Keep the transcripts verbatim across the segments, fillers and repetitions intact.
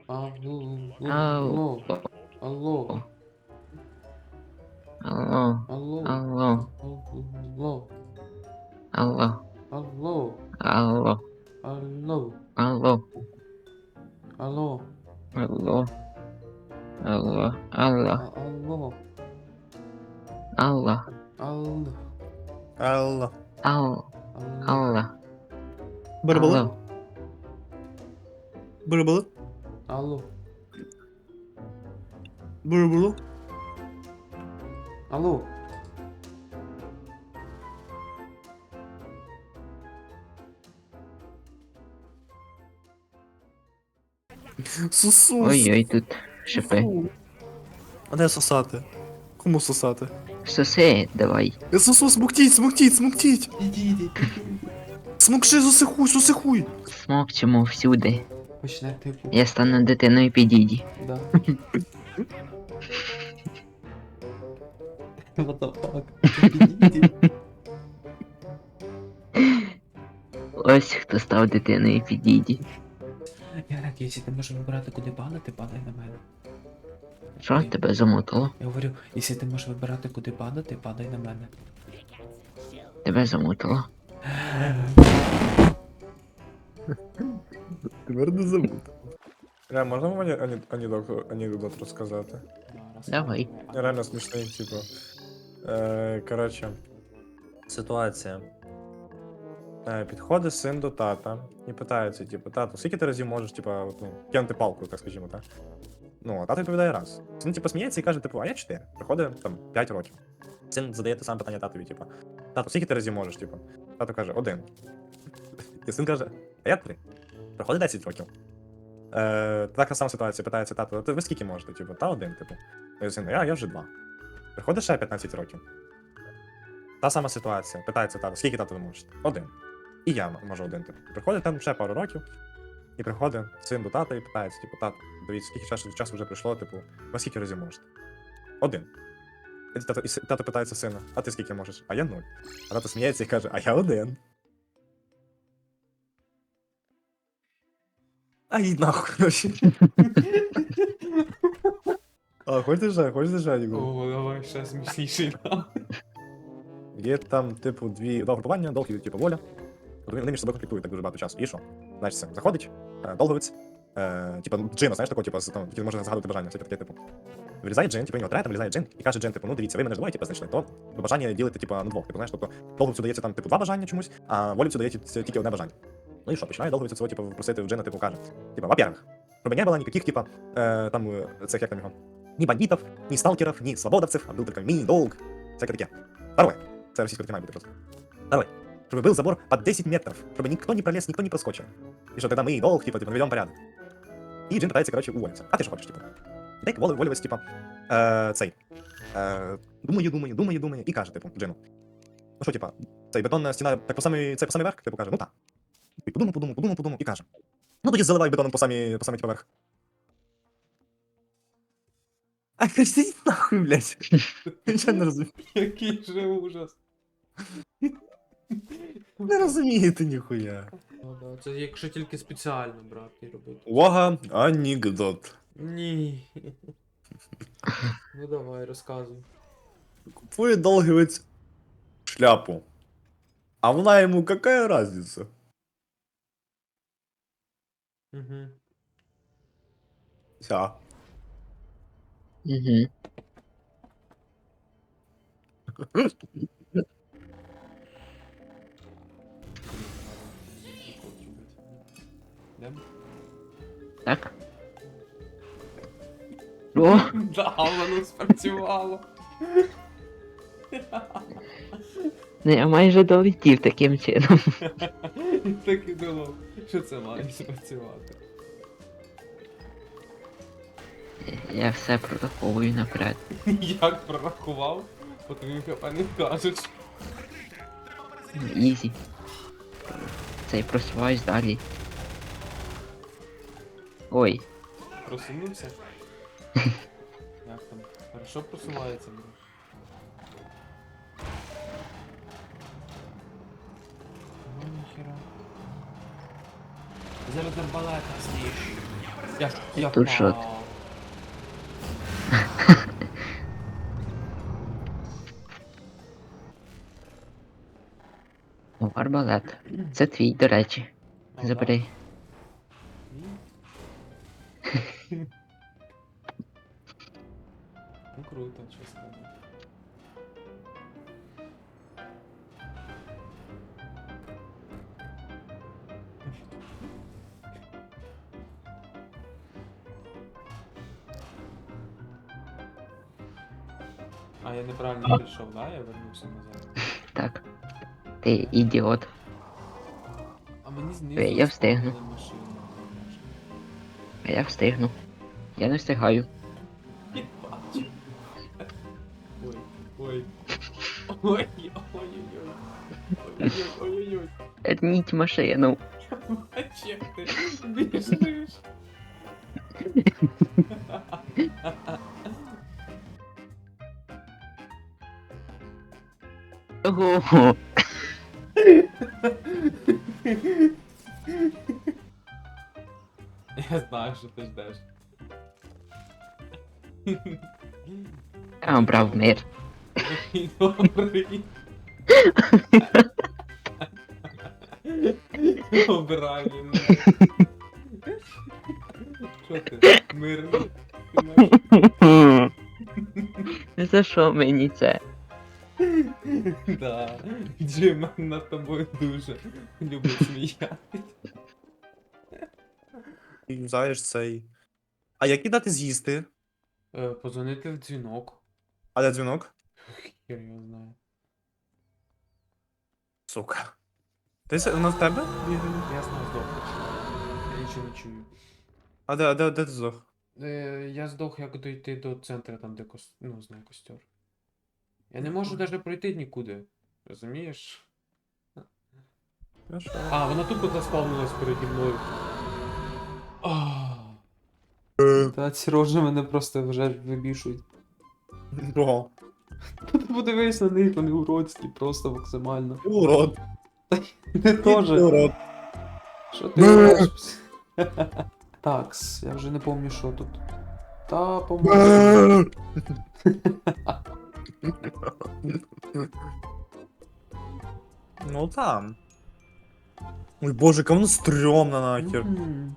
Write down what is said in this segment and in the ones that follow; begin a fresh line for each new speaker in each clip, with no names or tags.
Алло,
Алло.
алло, алло,
Алло.
алло,
Алло.
алло,
Алло.
алло,
Алло.
алло,
Алло.
алло,
Алло. Алло. Алло.
а- алло,
Алло.
алло,
Алло.
Алло.
алло,
Алло.
Булы-булы?
Алло.
Булы-булы?
алло,
Булы-булы?
алло.
Сусус.
Ой-ой, тут шипи.
Фу. А де сосати? Кому сосати?
Соси, давай.
Е, Сусу, смоктіть, смоктіть, смоктіть!
Підійди,
Смокши, сусихуй, сусихуй!
Смокчемо всюди.
почне типу.
Я стану дитиною підійді.
Да. What the fuck? Підійди.
Ось хто став дитиною підійді.
Ярик, якщо ти можеш вибирати, куди падати, падай на мене.
Що тебе замотало?
Я говорю, якщо ти можеш вибирати, куди падати, падай на мене.
Тебе замотало.
Тепер не забуд. Ре, можна мені ані- анекдот, анекдот розказати?
Давай.
Реально смішний, типу. Е, коротше. Ситуація. Е, підходить син до тата і питається, типу, тато, скільки ти разів можеш, типу, от, ну, кинути палку, так скажімо, так? Ну, а тато відповідає раз. Син, типу, сміється і каже, типу, а я чотири. Приходить, там, п'ять років. Син задає те саме питання татові, типу, тато, скільки ти разів можеш, типу? Тато каже, один. І син каже, а я три. Приходить десять років. Е, така сама ситуація, питається тато, ти ви скільки можете? Типу, та один, типу. І син, я, я вже два. Приходить ще п'ятнадцять років. Та сама ситуація. Питається тато, скільки тато ви можете? Один. І я м- можу один, типу. Приходить там ще пару років, і приходить син до тата і питається, типу, тато, дивіться, скільки часу, часу вже пройшло, типу, ви скільки разів можете? Один. І тато, і си- тато питається сина, а ти скільки можеш? А я нуль. А тато сміється і каже, а я один. А їдь нахуй, короче. А, хочеш же, хочеш же, Ігор?
О, давай ще смішніший нам.
Є там, типу, дві два групування, долг і типу воля. От Вони вони між собою конфліктують так дуже багато часу. І що? Значить, це заходить, е, долговець, е, типу, джина, знаєш, такого, типу, з- там, який може загадувати бажання, все таке, типу. Вилізає джин, типу, його третя, вилізає джин, і каже джин, типу, ну дивіться, ви мене ж двоє, типу, знайшли, то бажання ділити, типу, на двох, типу, знаєш, тобто долговцю дається там, типу, два бажання чомусь, а волівцю дається тільки одне бажання. Ну і що, починає долговець цього, типу, просити в джина, типу, каже, типу, во-первых, чтобы не было никаких, типа, э, там, э, цех, як там його, ни бандитов, ни сталкеров, ни свободовцев, а был только мини-долг, всякое таке. Второе, це російською має бути просто. Второе, чтобы был забор под десять метров, чтобы никто не пролез, никто не проскочил. И что тогда мы долг, типа, типа, наведем порядок. И Джин пытается, короче, уволиться. А ты что хочешь, типа? І так волю, волювець, типа, е, цей, е, думаю, думаю, думаю, думаю, і каже, типу, Джину. Ну що, типа, цей бетонна стіна, так по самий, це по самий верх, типу, каже, ну так. І подумав, подумав, подумав, подумав, і каже. Ну тоді заливай бетоном по самий, по самий, типа, верх. А кажи нахуй, блядь. Я не розумію.
Який же ужас.
Не розумієте ніхуя.
Ну да, це якщо тільки спеціально брати і робити.
Увага, анекдот.
Ні. Ну давай, розказуй.
Купує долговець шляпу. А вона йому какая разница?
Угу.
Вся.
Угу.
Йдем?
Так? О!
Да, воно спрацювало.
Ну я майже долетів таким чином.
Так і думав, що це має спрацювати.
Я все прораховую наперед.
Як прорахував, по тобі хп не вкажеш.
Ізі. Цей просуваюсь далі. Ой,
Просунувся? Як там? Хорошо просувається, бро. Ну ніхера. Зараз арбалета зніж. Я, я
Тут що?
впав.
О, арбалет. Це твій, до речі.
А, да?
Забери.
Ні? Ну круто, що сказати. А, я неправильно прийшов, да? Я вернувся назад.
Так. Ти ідіот.
А мені знизу
Е, я встигну.
заспавнили машину.
А я встигну. Я не встигаю.
Не бачу. Ой, ой. Ой, ой-ой-ой. Ой-ой-ой.
Верніть машину.
Бачу, як ти біжиш.
Ого.
Я знаю, що ти ждеш.
Я обрав мир.
Такий добрий. Обирай мене. Що ти? Мирний? Ти наш?
За що мені це?
Да. Джим над тобою дуже любить сміятись.
І знаєш цей. А які дати з'їсти?
Е, Позвонити в дзвінок.
А де дзвінок?
Хер його знає.
Сука. Ти с- на тебе?
Я знаю, здох. Я нічого не чую.
А де, а де, де ти здох?
Е, я здох, як дойти до центру, там, де кос... ну, знаю, костер. Я не можу навіть пройти нікуди. Розумієш?
Хорошо.
А, вона тупо заспавнилась переді мною. Ах. Та ці рожі мене просто вже вибішують.
Ого.
Ти подивись на них, вони уродські, просто максимально.
Ти урод.
Ти теж.
Ти урод.
Що ти робиш? Такс, я вже не пам'ятаю, що тут. Та, по-моєму.
Ну там. Ой боже, яка воно стрьомна нахер.
Мгм.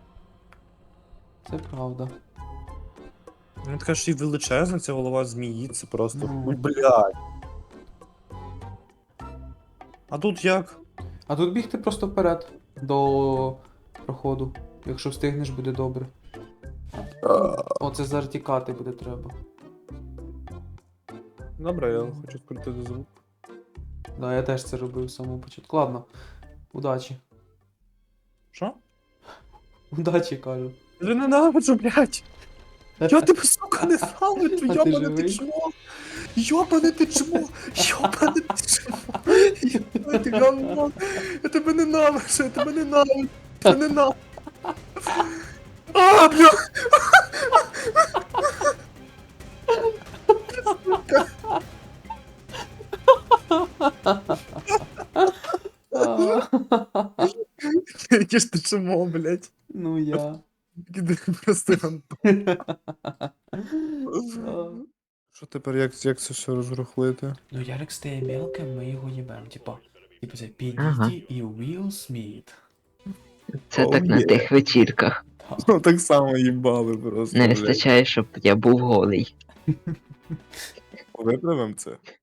Це правда.
Ну така ж і величезна ця голова змії, це просто.
Ну.
Ой, блядь. А тут як?
А тут бігти просто вперед до проходу. Якщо встигнеш, буде добре. О, це зартікати буде треба.
Добре, я хочу скрутити звук.
Да, я теж це робив з самого початку. Ладно, удачі.
Що?
Удачі, кажу.
Я ненавиджу, блядь. Я тебе, сука, ненавиджу,
А ти
йобане ти
живий?
чмо. Йобане ти чмо. Йобане ти чмо. Йобане ти говно. Я тебе ненавиджу, я тебе ненавиджу. Я тебе ненавиджу. А, бля. Яке ж ти чмо, блядь.
Ну я.
Іди просто гандон. Що тепер, як, як це все розрухлити?
Ну Ярик стає мелким, ми його їбем. Типа, типа це
Ага.
Підійді і Уилл Сміт.
Це
О,
так на
є.
тих вечірках.
Ну так само їбали просто.
Не
блядь.
вистачає, щоб я був голий.
Виправимо це.